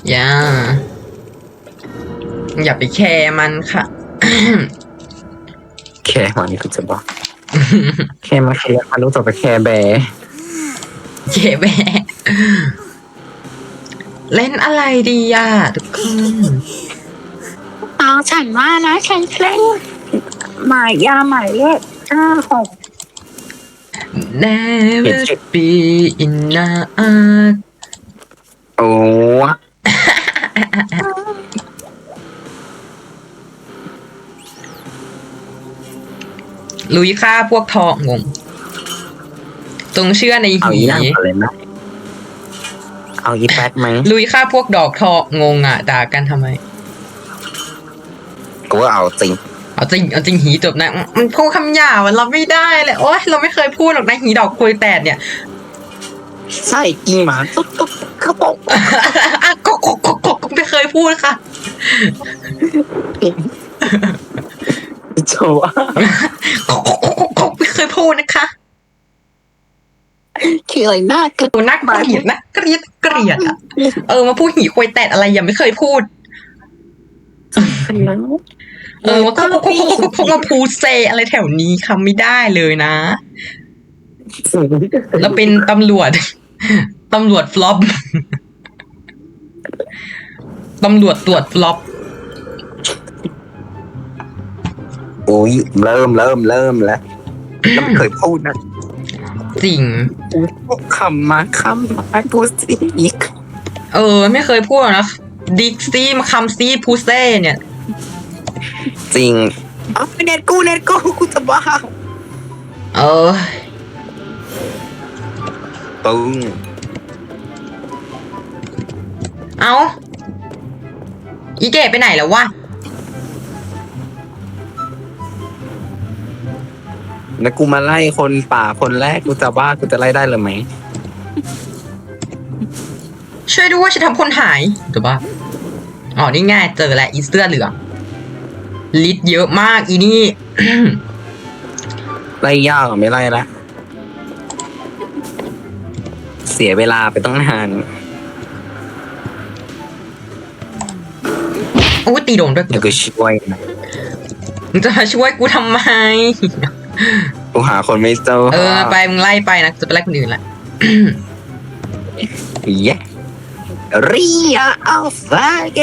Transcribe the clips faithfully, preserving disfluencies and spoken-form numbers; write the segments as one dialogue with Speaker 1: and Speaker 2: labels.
Speaker 1: อย่าอย่าไปแคร์มันค่ะ
Speaker 2: แคร์มันคือจะบอกแคร์มาแคร์มันรู้จักไปแคร์แบร์
Speaker 1: เจ๊แบะเล่นอะไรดีอ่ะทุกคน
Speaker 3: เอาฉันว่านะฉันเล่นหมายยาหมายเลขห้าหก
Speaker 1: Never be enough
Speaker 2: โอ้
Speaker 1: ลุยฆ่าพวกทองงงจงเชื่อใน
Speaker 2: เอา
Speaker 1: หี
Speaker 2: อีนั่งก่อนเลยนะเอาอีแป๊ดไหม
Speaker 1: ลุยฆ่าพวกดอกทองงงอ่ะด่ากันทำไม
Speaker 2: กูว่าเอาจริง
Speaker 1: เอาจริงเอาจริงหีจบนะมันพูดคำหยาบเราไม่ได้เลยโอ๊ยเราไม่เคยพูดหรอกนะหีดอกคุยแตดเนี่ย
Speaker 2: ใช่กินหมาตุ๊บตุ๊บเขาบอก
Speaker 1: อ่ะกกกกกไม่เคยพูดค่ะ
Speaker 2: โชว์
Speaker 1: กกกกกไม่เคยพูดนะคะ
Speaker 3: คืออะไรน่าเกลียด
Speaker 1: ดูนักเกลียดนะเกลียดเกลียดอ่ะเออมาพูดหีคุยแตดอะไรยังไม่เคยพูด
Speaker 3: แล้ว
Speaker 1: เออว่าพวกพวกพวกพวกมาพูดเซอะไรแถวนี้คำไม่ได้เลยนะแล้วเป็นตำรวจ ตำรวจฟลอป ตำรวจตรวจฟลอป
Speaker 2: โอ้ยเริ่มเริ่มเริ่มแล้วแล้วไม่เคยพูดนะ
Speaker 1: จริง
Speaker 2: พูดคำมาคำมาพูดสิอีก
Speaker 1: เออ ไม่เคยพูดนะดิกซี่มาคำซี่พูเซ่เนี่ย
Speaker 2: จริงเอาไปเน็ตกูเน็ตกูกูจะบ้า
Speaker 1: เออ
Speaker 2: ปึ้ง
Speaker 1: เอาอีเก๋ไปไหนแล้ววะ
Speaker 2: แล้วกูมาไล่คนป่าคนแรกกูจะบ้ากูจะไล่ได้เลยไหม
Speaker 1: ช่วยด้วยฉันทำคนหายถูกปะอ๋อนี่ง่ายเจอแหละอีเสื้อเหลืองลิตรเยอะมากอีนี่
Speaker 2: ไล่ยากหรือไม่ไล่ละเสียเวลาไปต้องนาน
Speaker 1: โอ้ตีโดนด้วย
Speaker 2: เดี๋ยวกูช่วยนะ
Speaker 1: มึงจะมาช่วยกูทำไม
Speaker 2: กูหาคนไม่เจอ
Speaker 1: เออไปมึงไล่ไปนะจะไปไล่คนอื่นละ
Speaker 2: เย้เรียอัลฟาเก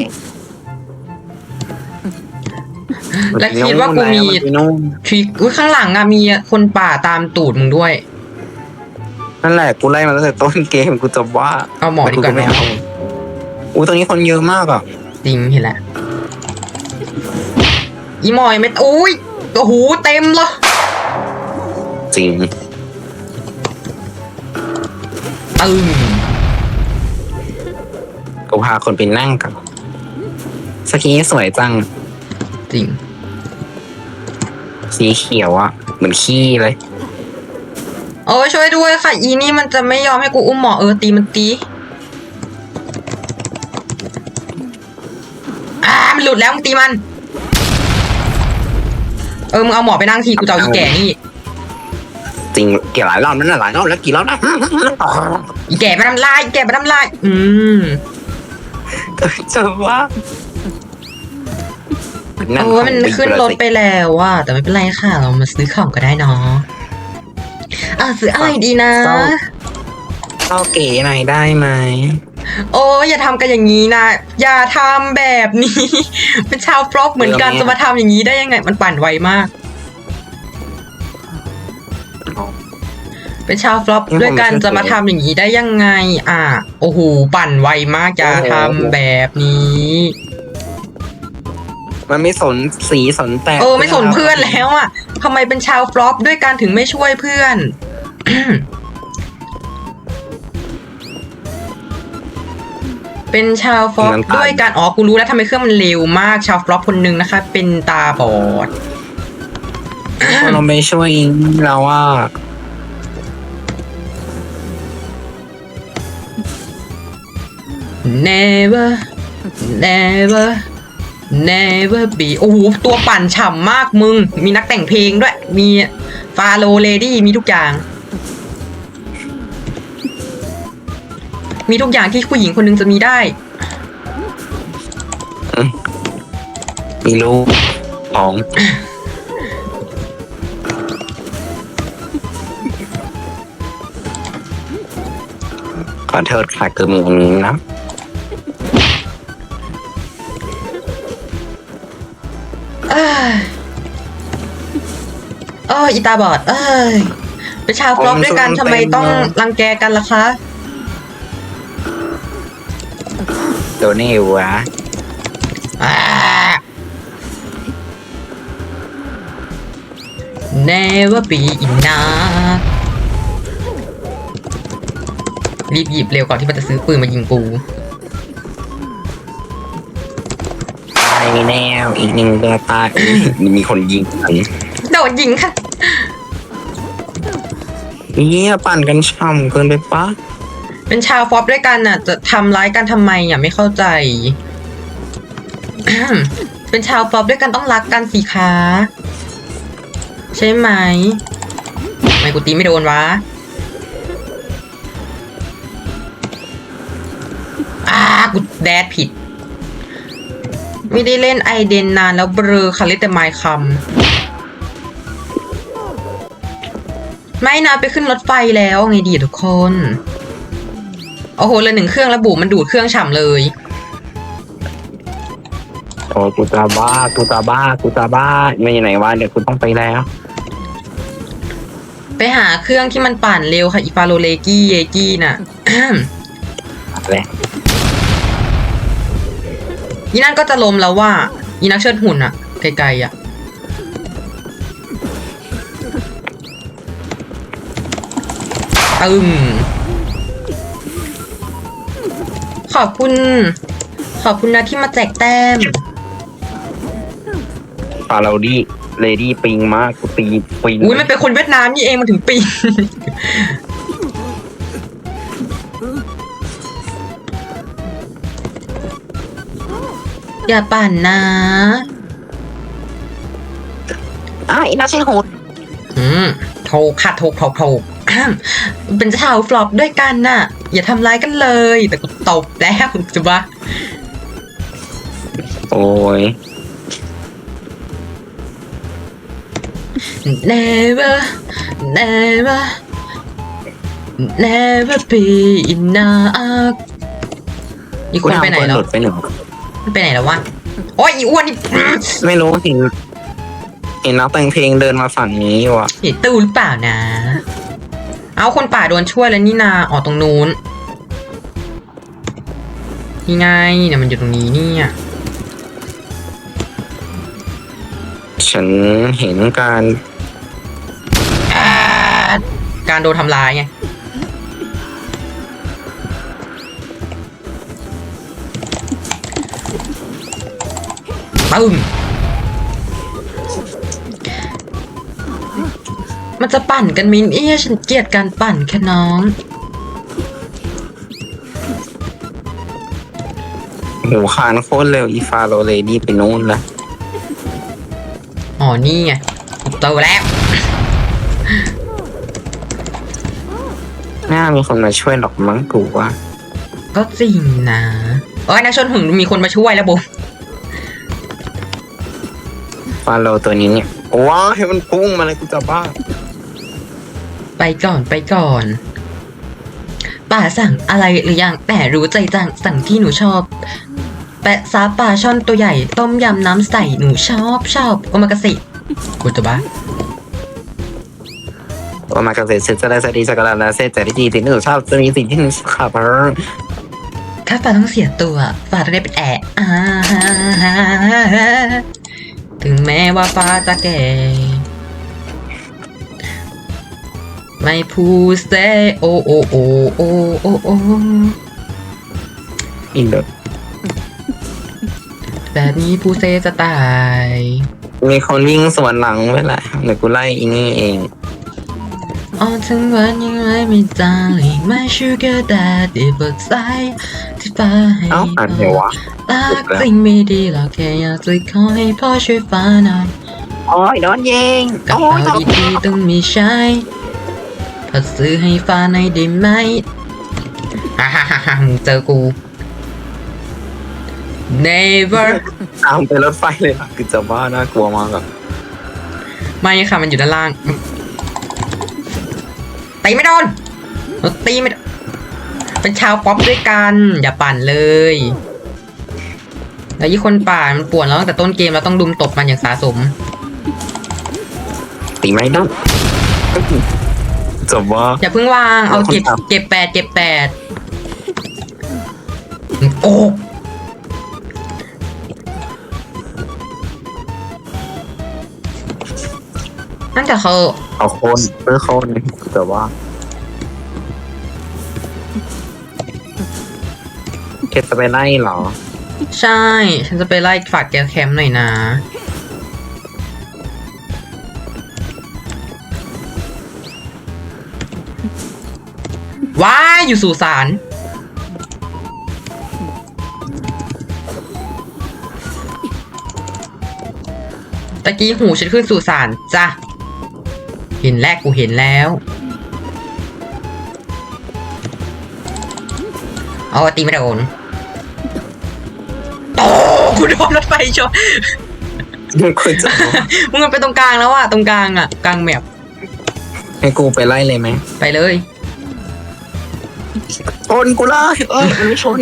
Speaker 1: และคิดว่ากูมีทริคอุ้ยข้างหลังอะมีคนป่าตามตูดมึงด้วย
Speaker 2: นั่นแหละกูไล่มาตั้งแต่ต้นเกมกูจะว่า
Speaker 1: เอาหมอดีกว่า
Speaker 2: ไม่เอาอู้ตรงนี้คนเยอะมากอ่ะ
Speaker 1: จริงเห็นแหละอีหมอยไม่อุ้ยโอ้โหเต็มเลย
Speaker 2: จริง
Speaker 1: ตึง
Speaker 2: กูพาคนไปนั่งกับสกีสวยจัง
Speaker 1: จริง
Speaker 2: สีเขียวอ่ะเหมือนขี้เลย
Speaker 1: โอ้ยช่วยด้วยค่ะอีนี่มันจะไม่ยอมให้กูอุ้มหมอเออตีมันตีอ่ามันหลุดแล้วมึงตีมันเออมึงเอาหมอไปนั่งทีกูจะเอาอีแก่นี่
Speaker 2: จริงเกี่ยวหลายรอบนั่นน่ะหลายรอบแล้วกี่รอบนะ
Speaker 1: อีแก่ไปทำลายอีแก่ไปทำลายอืม
Speaker 2: จะว่า
Speaker 1: โอ้ยมันขึ้นรถไปแล้วว่ะแต่ไม่เป็นไรค่ะ เรามาซื้อของก็ได้เนาะอ่ะซื้ออะไรดีนะ
Speaker 2: เข้าเก๋หน่อยได้ไหม
Speaker 1: โอ้ยอย่าทำกันอย่างนี้นะอย่าทำแบบนี้ เป็นชาวฟลอปเหมือนกันจะมาทำอย่างนี้ได้ยังไง มันปั่นไวมาก เป็นชาวฟลอปด้วยกันจะมาทำอย่างนี้ได้ยังไง อ่ะโอ้โหปั่นไวมากอย่าทำแบบนี้
Speaker 2: มันไม่สนสีสนแต่
Speaker 1: เออไม่สนเพื่อนแล้วอ่ะทำไมเป็นชาวฟลอปด้วยกันถึงไม่ช่วยเพื่อน เป็นชาวฟลอปด้วยกันอ๋อกูรู้แล้วทำไมเครื่องมันเร็วมากชาวฟลอปคนหนึ่งนะคะ เป็นตาบอด
Speaker 2: เราไม่ช่วยเราว่า
Speaker 1: never never never be โอ้โหตัวปั่นฉ่ำมากมึง มีนักแต่งเพลงด้วย มีฟาโลเลดี้มีทุกอย่าง มีทุกอย่างที่ผู้หญิงคนหนึงจะมีได้
Speaker 2: มีลูกของ ขอโทษค่ะคือมีอันนี้นะ
Speaker 1: เอ้ยเอออีตาบอด เอ้ยเป็นชาวฟลอปด้วยกันทำไมต้องรังแกกันล่ะคะ
Speaker 2: ตัวนี้วะ
Speaker 1: อ่า Never be enough รีบหยิบเร็วก่อนที่มันจะซื้อปืนมายิงกู
Speaker 2: ตายแน่อีกหนึ่งเดือตายมีคนยิงกัน
Speaker 1: โดนยิงค่ะ
Speaker 2: เยี่ยปั่นกันช่ำเกินไปปะ
Speaker 1: เป็นชาวฟลอปด้วยกันน่ะ จะทำร้ายกันทำไมอ่ะไม่เข้าใจ เป็นชาวฟลอปด้วยกันต้องรักกันสิคะใช่ไหมทำไมกูตีไม่โดนวะอ่ากูแดดผิด ไม่ได้เล่นไอเดนนานแล้วเบลอค่ะเล่นแต่ไมค์คำไม่นะไปขึ้นรถไฟแล้วไงดีทุกคน โอ้โหเลยหนึ่งเครื่องแล้วบุ๋มมันดูดเครื่องฉ่ำเลย
Speaker 2: โอ้กูตาบ้ากูตาบ้ากูตาบ้าไม่ไหนวะเดี๋ยวกูต้องไปแล้ว
Speaker 1: ไปหาเครื่องที่มันปั่นเร็วค่ะอีฟาโรเลกี้เยกี้น่ะ
Speaker 2: อะไร
Speaker 1: อีนั่นก็จะล้มแล้วว่าอีนักเชิดหุ่นอะไกลๆอะตึมขอบคุณ ขอบคุณนะที่มาแจกแต้ม
Speaker 2: ฟาเราดี้เลดี้ปิงมากกูตีปิง
Speaker 1: อุ้ยมันเป็นคนเวียดนามนี่เองมันถึงปีน อย่าปั่นนะ
Speaker 3: อ้าวอีน่าใช่โหด
Speaker 1: อืมโทรค่ะโทรโทรโทรอ้าวเป็นชาวฟลอปด้วยกันน่ะ อย่าทำร้ายกันเลย แต่กูตบแล้วจะบ้า
Speaker 2: โอ้ย
Speaker 1: never never never be enough อีกคนไปไหนแล้ว
Speaker 2: หลุดไปหนึ่ง
Speaker 1: ไปไหนแล้ววะโอ้ยอีอ้วนนี่
Speaker 2: ไม่รู้เห็นเห็นนักแต่งเพลงเดินมาฝั่งนี้ว่ะ
Speaker 1: เห็นตู้หรือเปล่านะ เอาคนป่าโดนช่วยแล้วนี่นาอ๋อตรงนู้นนี่ไงเนี่ยมันอยู่ตรงนี้เนี่ย
Speaker 2: ฉันเห็นการ
Speaker 1: อ่าการโดนทำร้ายไงปึ้มมันจะปั่นกันมินเอี้ยฉันเกลียดการปั่นแค่น้อง
Speaker 2: หมูคานโคตรเร็วอีฟาโรเลดี้ไปโน่นละ
Speaker 1: อ๋อนี่ไงโตแล้ว
Speaker 2: น่ามีคนมาช่วยหรอกมั้งกูว่า
Speaker 1: ก็จริงนะโอ้ยนักชนหุ่นมีคนมาช่วยแล้วบุ
Speaker 2: ฟาโรตัวนี้เนี่ยว้าวให้มันพุ่งมาเลยกูจะบ้า
Speaker 1: ไปก่อนไปก่อนป่าสั่งอะไรหรือยังแต่รู้ใจจังสั่งที่หนูชอบแปะซาปลาช่อนตัวใหญ่ต้มยำน้ำใสหนูชอบชอบโอมากาเสะกูจะบ้า
Speaker 2: โอมากาเสะเซจะได้สดีสกัดนาเซแต่ที่ดีที่หนูชอบจะมีสิ่งที่หนูขับ
Speaker 1: ถ้าฟ้าต้องเสียตัวฟ้าจะได้เป็นแอะอ่าถึงแม้ว่าฟ้าจะแก่ไม่พูดเซโอโอโอโอโอโอ
Speaker 2: อินเดอ
Speaker 1: แบบนี้พูดเซจะตาย
Speaker 2: มีคนวิ่งสวนหลังไว้แหละเดี๋ยวกูไล่อีนี่เอง
Speaker 1: อ๋อถึงวันยังไงไม่จางเลยไม่ชูเกอร์แต่ดีเบิกใจที่ฟ้าให้
Speaker 2: เอ้าอ่านเหรอวะ
Speaker 1: รักสิ่งไม่ดีหรอกแค่อยากจะขอให้พ่อช่วยฟ้าหน่อย
Speaker 3: โอ้ยโดนยิง
Speaker 1: กระ
Speaker 3: โอ้
Speaker 1: เป๋าย ดีๆต้องมีใช้พอซื้อให้ฟ้าหน่อยได้ไหมฮ่าฮ่าฮ่าฮ่ามึงเจอกู never
Speaker 2: ตามไปรถไฟเลยนะคือจะบ้าน่ากลัวมากอะ
Speaker 1: ไม่ค่ะมันอยู่ด้านล่างตีไม่โดนเราตีไม่โดนเป็นชาวป๊อปด้วยกันอย่าปั่นเลยแล้วยี่คนป่ามันป่วนแล้วตั้งแต่ต้นเกมเราต้องดุมตบมันอย่างสะสม
Speaker 2: ตีไม่ได้จะบ้า
Speaker 1: อย่าเพิ่งวางเอาเก็บเก็บแปดเก็บแปดโอ้นั่นแต่เขา
Speaker 2: เอาโคนเพื่อโคนแต่ว่าเคสจะไปไล่เหรอ
Speaker 1: ใช่ ฉันจะไปไล่ฝากแกแคมป์หน่อยนะ ว้ายอยู่สุสานตะกี้หูฉันขึ้นสุสานจ้ะ เห็นแล้วกูเห็นแล้ว เอาตีไม่โดนโอ้กูโดนรถไฟชน
Speaker 2: คุณจะ
Speaker 1: มึงมันไปตรงกลางแล้วอะตรงกลางอะกลางแมป
Speaker 2: ให้กูไปไล่เลยไหม
Speaker 1: ไปเลย
Speaker 2: ชนกูไล่เออไม่ชน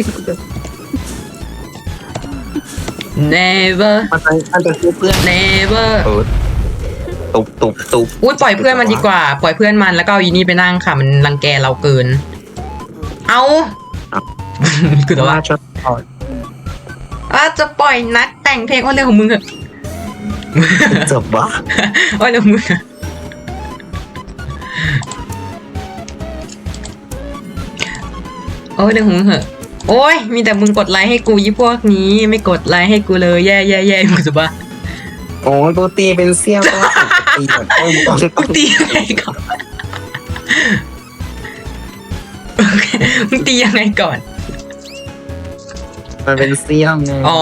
Speaker 1: never
Speaker 2: มันจะมันจะคือเพื่อน
Speaker 1: never
Speaker 2: เออตุบตุบตุบ
Speaker 1: อุ้ยปล่อยเพื่อนมันดีกว่า ปล่อยเพื่อนมันแล้วก็เอาอีนี่ไปนั่งค่ะ มันรังแกเราเกิน เอาคือแต่ว่า
Speaker 2: ชนก่อน
Speaker 1: อ่ะจะปล่อยนัดแต่งเพลงว่าเรื่องของมึงเหอะ
Speaker 2: จะบ้า
Speaker 1: ว่าเรื่องของมึงอะโอ้ยเรื่องของมึงเหอะโอ้ยมีแต่มึงกดไลค์ให้กูยี่พวกนี้ไม่กดไลค์ให้กูเลยแย่แย่แย่มึงจะบ้า
Speaker 2: โอ้ยกูตีเป็นเสี้ยวก็ตีแบบเออ
Speaker 1: กูตียังไงก่อนมึงตียังไงก่อน
Speaker 2: มันเป็นเสี้ยวไง
Speaker 1: อ๋อ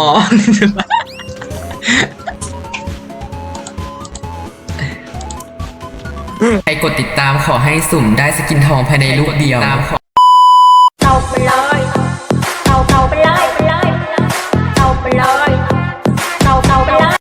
Speaker 1: ใครกดติดตามขอให้สุ่มได้สกินทองภายในลูกเดียวตามขอ